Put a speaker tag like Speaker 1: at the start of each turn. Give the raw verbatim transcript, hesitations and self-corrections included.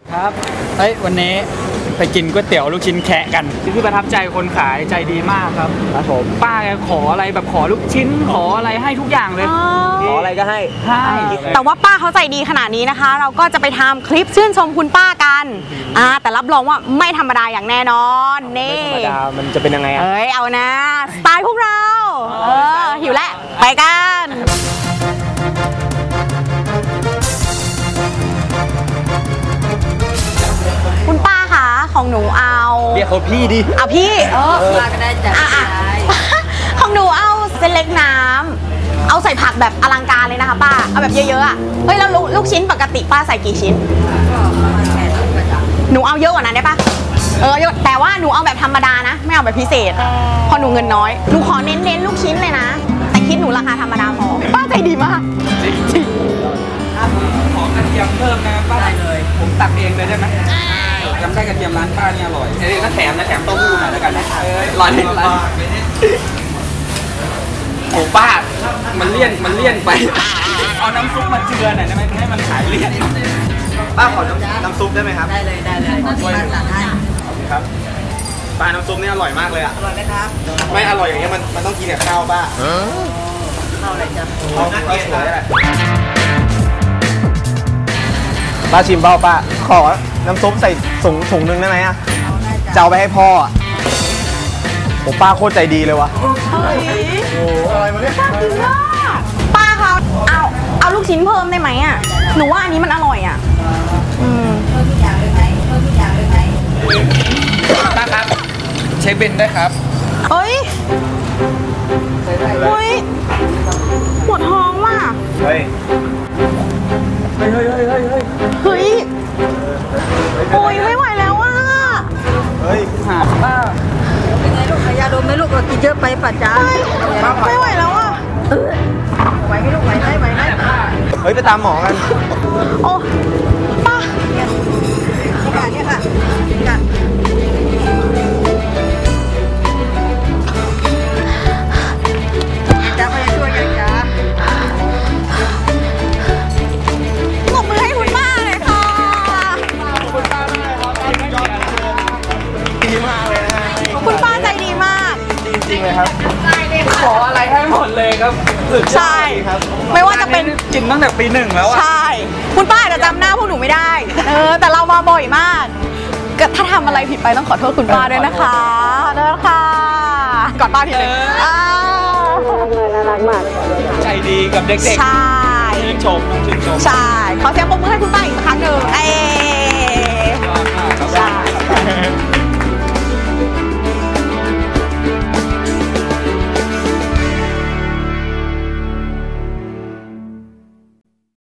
Speaker 1: ครับเฮ้ยวันนี้ไปกินก๋วยเตี๋ยวลูกชิ้นแคะกันที่ประทับใจคนขายใจดีมากครับครับผมป้าแกขออะไรแบบขอลูกชิ้นขออะไรให้ทุกอย่างเลยขออะไรก็ให้ให้
Speaker 2: แต่ว่าป้าเขาใจดีขนาดนี้นะคะ เราก็จะไปทำคลิปชื่นชมคุณป้ากันอ่าแต่รับรองว่าไม่ธรรมดาอย่างแน่นอนนี่
Speaker 1: ไม่ธรรมดามันจะเป็นยังไงอ่ะ
Speaker 2: เอ้ยเอานะสไตล์พวกเราเออหิวแล้วไปกันคุณป้าคะของหนูเอา
Speaker 1: เรียกเขาพี่ดิ
Speaker 2: เอาพี่เออมาก็ได้จ้ะของหนูเอาเส้นเล็กน้ำเอาใส่ผักแบบอลังการเลยนะคะป้าเอาแบบเยอะๆอ่ะเฮ้ยแล้วลูกชิ้นปกติป้าใส่กี่ชิ้นหนูเอาเยอะกว่านั้นได้ปะเออแต่ว่าหนูเอาแบบธรรมดานะไม่เอาแบบพิเศษพอหนูเงินน้อยหนูขอเน้นๆลูกชิ้นเลยนะแต่คิดหนูราคาธรรมดาพอป้าใจดีมากจริง
Speaker 1: ขอกระเทียมเพิ่มนะป้าได้เลยผมตักเองเลยได้ไหมจำได้กระเทียมร้านป้านี่อร่อยเอ้ยก็แถมนะแถมเต้าหู้หน่อยแล้วกันนะร้อนร้อนโอ้ป้ามันเลี่ยนมันเลี่ยนไปเอาน้ำซุปมาเจือหน่อยได้ไหมให้มันขายเลี่ยนป้าขอน้ำน้ำซุปได้ไหมครับได้เลยได้เลยช่วยตักให้ครับป้าน้ำซุปนี่อร่อยมากเลยอ่ะอร่อยไหมครับไม่อร่อยอย่างเงี้ยมันมันต้องกินกับข้าวป้าข้าวอะไรจ๊ะข้าวข้าวสวยแหละป้าชิมเปล่าป้าขอน้ำซุปใส่ถุงถุงนึงได้ไหมอ่ะจะเอาไปให้พ่ออ่ะโอ้ป้าโคตรใจดีเลยวะ
Speaker 2: เฮ้ยโอ้อะไรมาเนี่ยป้าเขาเอาเอาลูกชิ้นเพิ่มได้ไหมอ่ะหนูว่าอันนี้มันอร่อยอ่ะอืมเพิ่มทุกอย่างเลยไหมเพิ่มทุกอย่างเลยไหม
Speaker 1: ป้าครับเช็คบินได้ครับ
Speaker 2: เฮ้ยเฮ้ยปวดท้องว่ะ
Speaker 1: เฮ้ยเฮ้ยเฮ้ยเฮ้ยเฮ้ยเฮ้ย
Speaker 2: เฮ้ยโอ้ยไม่ไหวแล้วอ่ะ
Speaker 1: เฮ้ยหาป้า
Speaker 3: เป็นไงลูกขายาดมไหมลูกเรากินเยอะไปป่ะจ๊ะ
Speaker 2: ไม่ไหวแล้วอ่ะ
Speaker 3: ไหวไหมลูกไหวไหมไหวไหม
Speaker 1: เฮ้ยไปตามหมอกัน
Speaker 2: โอ้ป้า
Speaker 3: เนี่ยค่ะเนี่ยค่ะค่ะจ้าพยาช่วยกันจ้า
Speaker 2: ปรบมือให้คุณป้าเลยค่ะ
Speaker 1: คุณป้าดีมากเลยนะฮะ
Speaker 2: คุณป้าใจดีมาก
Speaker 1: จริงๆเลยครับขออะไรให้หมดเลยครับ
Speaker 2: ใช่ไม่ว่าจะเป็น
Speaker 1: กินตั้งแต่ปีหนึ่งแล้วอ่ะ
Speaker 2: ใช่คุณป้าจะจำหน้าพวกหนูไม่ได้เออแต่เรามาบ่อยมากถ้าทำอะไรผิดไปต้องขอโทษคุณป้าด้วยนะคะขอโทษค่ะกอดป้าทีนึง
Speaker 3: น่ารักมาก
Speaker 1: ใจดีกับเด็กๆ
Speaker 2: ใช่
Speaker 1: ชื่นชมชื่นชม
Speaker 2: ใช่ขอเสียงปรบมือให้คุณป้าอีกครั้งหนึ่งเอ